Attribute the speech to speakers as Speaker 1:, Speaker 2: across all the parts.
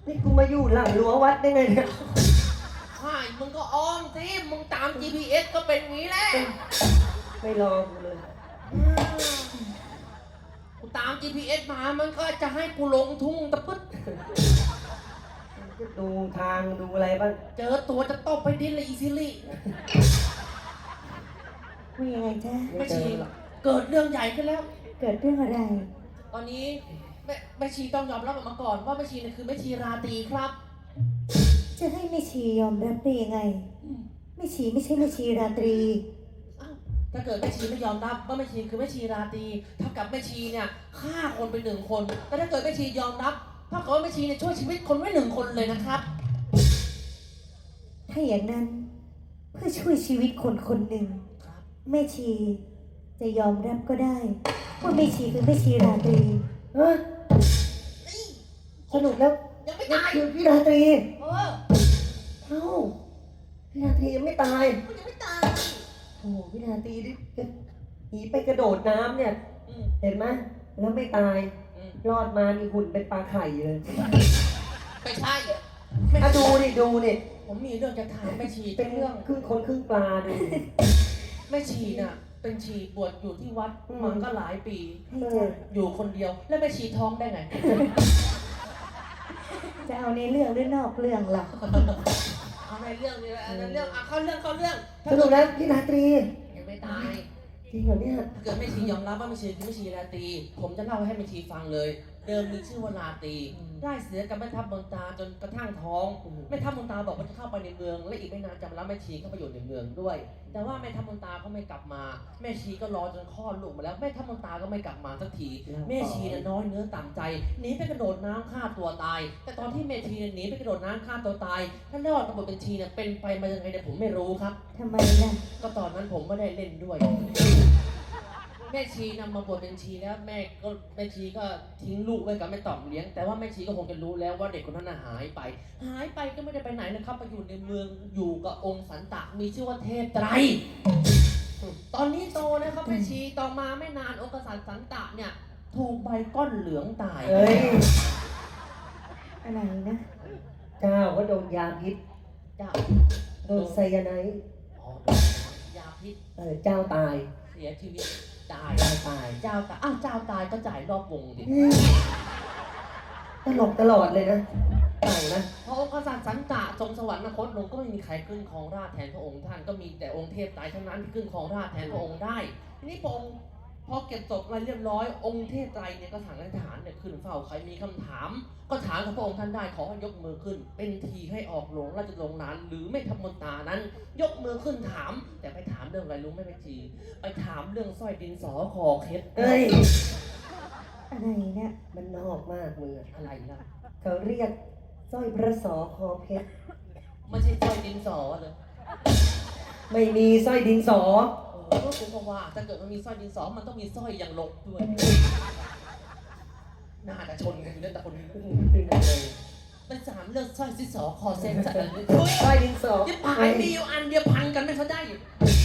Speaker 1: นี่กูมาอยู่หลังรั้ววัดได้ไงเนี่ย
Speaker 2: ใช่มึงก็อ้อมสิมึงตาม GPS ก็เป็นงี้แหละ
Speaker 1: ไม่รอกูเลย
Speaker 2: กูตาม GPS มามันก็จะให้กูลงทุ่งตะปึ๊ด
Speaker 1: ก็ดูทางดูอะไรบ้าง
Speaker 2: เจอตัวจะตบไปดินเลยอีซิลี่
Speaker 3: ว่ายังไงจ๊ะ
Speaker 2: แม่ชีเกิดเรื่องใหญ่ขึ้นแล้ว
Speaker 3: เกิดเรื่องอะไร
Speaker 2: ตอนนี้แม่ชีต้องยอมรับออกมาก่อนว่าแม่ชีเนี่ยคือแม่ชีราตรีครับ
Speaker 3: จะให้แม่ชียอมรับได้ยังไงแม่ชีไม่ใช่แม่ชีราตรี
Speaker 2: อ้าวถ้าเกิดแม่ชีไม่ยอมรับว่าแม่ชีคือแม่ชีราตรีเท่ากับแม่ชีเนี่ยฆ่าคนไป1 คนแต่ถ้าเกิดแม่ชียอมรับเท่ากับว่าแม่ชีเนี่ยช่วยชีวิตคนไว้1 คนเลยนะครับ
Speaker 3: ถ้าอย่างนั้นเพื่อช่วยชีวิตคนคนหนึ่ง
Speaker 2: ครับ
Speaker 3: แม่ชีจะยอมรับก็ได้ว่าแม่ชีคือแม่ชีราตรี
Speaker 1: เฮ้ยสรุปแล้ว
Speaker 2: ยังไม่
Speaker 1: นี่
Speaker 2: ตาย
Speaker 1: คือพี่ราตรี
Speaker 2: เออ
Speaker 1: เอ้าพี่ราตรียังไม่ตาย
Speaker 2: มันยังไม่ตาย
Speaker 1: โอ้โหพี่ราตรีนี่หนีไปกระโดดน้ำเนี่ย
Speaker 2: อืม
Speaker 1: เห็นไหมแล้วไม่ตาย
Speaker 2: อืม
Speaker 1: รอดมามีหุ่นเป็นปลาไข่เลย
Speaker 2: ไม่ใช่
Speaker 1: อ่ะดูดิ
Speaker 2: ผมมีเรื่องจะถามแม่ชี
Speaker 1: เป็
Speaker 2: เป็น นเรื่อง
Speaker 1: ครึ่งคนครึ่งปลาดู
Speaker 2: แม่ชีน่ะเป็นชีบวชอยู่ที่วัดมาก็หลายปี
Speaker 3: ให้จ้ะ
Speaker 2: อยู่คนเดียว แล้วแม่ชีท้องได้ไง
Speaker 3: จะเอาในเรื่องหรือนอกเรื่องล่ะ
Speaker 2: เอาในเรื่องนี้แหละในเรื่องเข้าเรื่อง
Speaker 1: สรุปแล้วพี่ราตรี
Speaker 2: ยังไม่ตาย
Speaker 1: จริงเหรอเนี่ย
Speaker 2: ถ้าเกิดแม่ชียอมรับว่าแม่ชีคือแม่ชีราตรีผมจะเล่าให้แม่ชีฟังเลย เดิมมีชื่อว่าราตรีได้เสียกับแม่ทัพเมืองตาจนกระทั่งท้องแม่ทัพเมืองตาบอกว่าจะเข้าไปในเมือง และอีกไม่นานจะมารับแม่ชีเข้าไปอยู่ในเมืองด้วย แต่ว่าแม่ทัพเมืองตาก็ไม่กลับมา แม่ชีก็รอจนคลอดลูกมาแล้วแม่ทัพเมืองตาก็ไม่กลับมาสักทีแม่ชีน่ะน้อยเนื้อต่ำใจหนีไปกระโดดน้ำฆ่าตัวตาย แต่ตอนที่แม่ชีหนีไปกระโดดน้ำฆ่าตัวตายท่านรอดกับบทเป็นชีเนี่ยเป็นไปมายังไงเนี่ยผมไม่รู้ครับ
Speaker 3: ทำไมล่ะ
Speaker 2: ก็ตอนนั้นผมไม่ได้เล่นด้วย แม่ชีนำมาบวชเป็นชีแล้วแม่ชีก็ทิ้งลูกไว้กับแม่ต่อมเลี้ยง แต่ว่าแม่ชีก็คงจะรู้แล้วว่าเด็กคนนั้นน่ะหายไปก็ไม่ได้ไปไหนนะครับไปอยู่ในเมืองอยู่กับองค์สันตะมีชื่อว่าเทพไตรตอนนี้โตนะครับแม่ชีต่อมาไม่นานองค์กษัตริย์สันตะเนี่ยถูกใบก้อนเหลืองตาย
Speaker 1: เอ้ย
Speaker 3: อะไรนะ
Speaker 1: เจ้าก็โดนยาพิษ
Speaker 2: เจ้า
Speaker 1: โดนไซยาไนด์
Speaker 2: อ๋อยาพิษ
Speaker 1: เจ้าตาย
Speaker 2: เสียชีวิตตาย
Speaker 1: เจ้าตาย
Speaker 2: เจ้าตายอ้าวเจ้าตายก็จ่ายรอบวงดิ
Speaker 1: ตลกตลอดเลยนะเต่านะ
Speaker 2: พระองค์กษัตริย์สันตะทรงสวรรคตลงก็ไม่มีใครขึ้นครองราชย์แทนพระองค์ท่านก็มีแต่องค์เทพไตรเท่านั้นที่ขึ้นครองราชย์แทนพระองค์ได้ทีนี้พระองค์พอเก็บศพอะไรเรียบร้อยองค์เทพไตรเนี่ยก็สั่งให้ทหารเนี่ยขึ้นเฝ้าใครมีคำถาม ก็ถามกับพระองค์ท่านได้ขอให้ยกมือขึ้น เป็นทีให้ออกหลวงราชโรงนานหรือไม่ทำมนตรานั้น ยกมือขึ้นถาม แต่ไปถามเรื่องอะไรรู้ไหมแม่ชีไปถามเรื่องสร้อยดินสอคอเคล็ด
Speaker 1: เอ้ย
Speaker 3: อะไรเนี่ย
Speaker 1: มันนอกมากมือ
Speaker 2: อะไรล่ะ
Speaker 1: เขาเรียกสร้อยพระสอคอเพชร
Speaker 2: ไม่ใช่สร้อยดินสอเลย
Speaker 1: ไม่มีสร้อยดินสอ
Speaker 2: ก็คุณบอกว่าถ้าเกิดมันมีสร้อยดินสอมันต้องมีสร้อยอย่างลบด้วยน่าจะชนกันอยู่แล้วแต่คนนี้
Speaker 1: เป็นอะไร
Speaker 2: มัน3เรื่องสร้อยดินสอคอเส้นจัดเลย
Speaker 1: สร้อยดินสอ
Speaker 2: ที่ปลายมีอยู่อันเดียวพันกันไม่เขาได้อยู่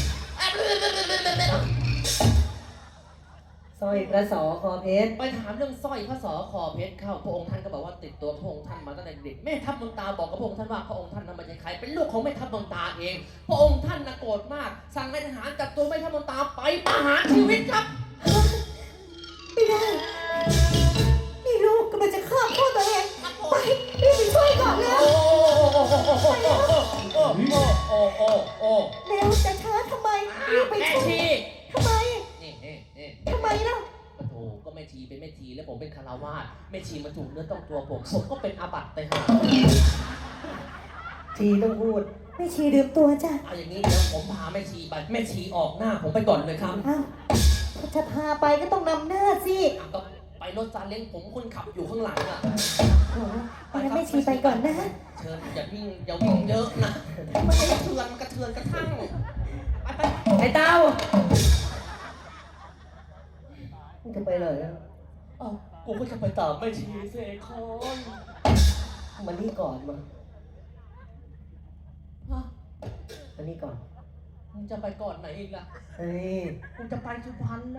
Speaker 1: สร้อยพระสอคอเพชร
Speaker 2: ไปถามเรื่องสร้อยพระสอคอเพชรเข้าพระองค์ท่านก็บอกว่าติดตัวพระองค์ท่านมาตั้งแต่เด็กแม่ทัพเมืองตาบอกกับพระองค์ท่านว่าพระองค์ท่านนั้นไม่ใช่ใครเป็นลูกของแม่ทัพเมืองตาเองพระองค์ท่านน่ะโกรธมากสั่งให้ทหารจับตัวแม่ทัพเมืองตาไปประหารชีวิตครับ
Speaker 3: ไม่ได้นี่ลูกกำลังจะฆ่าพ่อตัวเองไปรีบไปช่วยก่อนแล้ว
Speaker 2: โอ้
Speaker 3: เร็วจะช้าทำไมรีบไป
Speaker 2: แม่
Speaker 3: ช่วย
Speaker 2: ชี
Speaker 3: ทำไม
Speaker 2: นี่
Speaker 3: ทำไมล่ะ
Speaker 2: ปะโถก็แม่ชีเป็นแม่ชีแล้วผมเป็นคารวาสแม่ชีมาถูกเนื้อต้องตัวผมก็เป็นอาบัติไปหา
Speaker 1: ทีต้องพูด
Speaker 3: แม่ชีลืมตัวจ้ะ
Speaker 2: เอาอย่างนี้เดี๋ยวผมพาแม่ชีไปแม่ชีออกหน้าผมไปก่อนเลยครับ
Speaker 3: อ้าวจะพาไปก็ต้องนำหน้าสิ
Speaker 2: ก็ไปรถซาเล้งผมคนขับอยู่ข้างหลังอ่ะ
Speaker 3: โอ้งั้นแม่ชีไปก่อนนะ
Speaker 2: เชิญอย่าวิ่งเยอะนะมันกระเทือนกระทั่งไป
Speaker 1: ไอ้เต้ามึงจะไปเลยนะ
Speaker 2: อ๋อกูก็จะไปตามแม่ชีเสกคอน
Speaker 1: มันนี่ก่อนมา
Speaker 2: ฮะ
Speaker 1: มันนี่ก่อน
Speaker 2: มึงจะไปก่อนไหนอีกล่ะ
Speaker 1: เฮ้ย
Speaker 2: กูจะไปสุพรรณแล้ว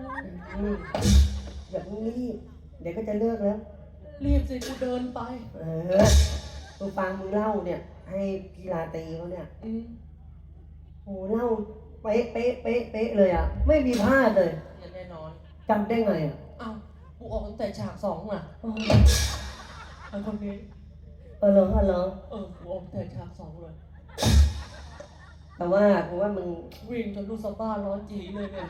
Speaker 1: อย่าเพิ่งรีบ เดี๋ยวก็จะเลิกแล้ว
Speaker 2: รีบสิกูเดินไป
Speaker 1: เออมึงฟังมึงเล่าเนี่ย ให้กีฬาตีเขาเนี่ย โอ้เล่าเป๊ะเป๊ะเป๊ะเป๊ะเลยอ่ะ ไม่มีพลาดเลย
Speaker 2: แน่นอน
Speaker 1: จำได้ไงอ่ะ
Speaker 2: อ้าวกูออกตั้งแต่ฉาก2น่ะ
Speaker 1: อ๋อ
Speaker 2: ไอ้คนนี้
Speaker 1: เหรอเหรอ
Speaker 2: กูออกตั้งแต่ฉาก2เลย
Speaker 1: แต่ว่ากูว่ามึง
Speaker 2: วิ่งจนลูกสะบ้าร้อนจีเลยเนี่ย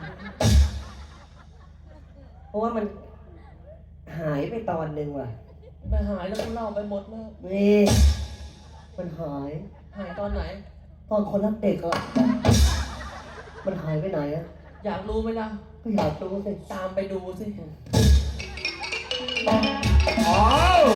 Speaker 1: เพราะว่ามันหายไปตอนหนึ่งว่ะ
Speaker 2: ไปหายแล้วกูเล่าไปหมดแล้ว
Speaker 1: นี่มันหาย
Speaker 2: หายตอนไหน
Speaker 1: ตอนคนรักเด็กอ่ะ มันหายไปไหนอ่ะ
Speaker 2: อยากรู้ไหมล่ะ
Speaker 1: ก็อยากรู้สิ
Speaker 2: ตามไปดูสิ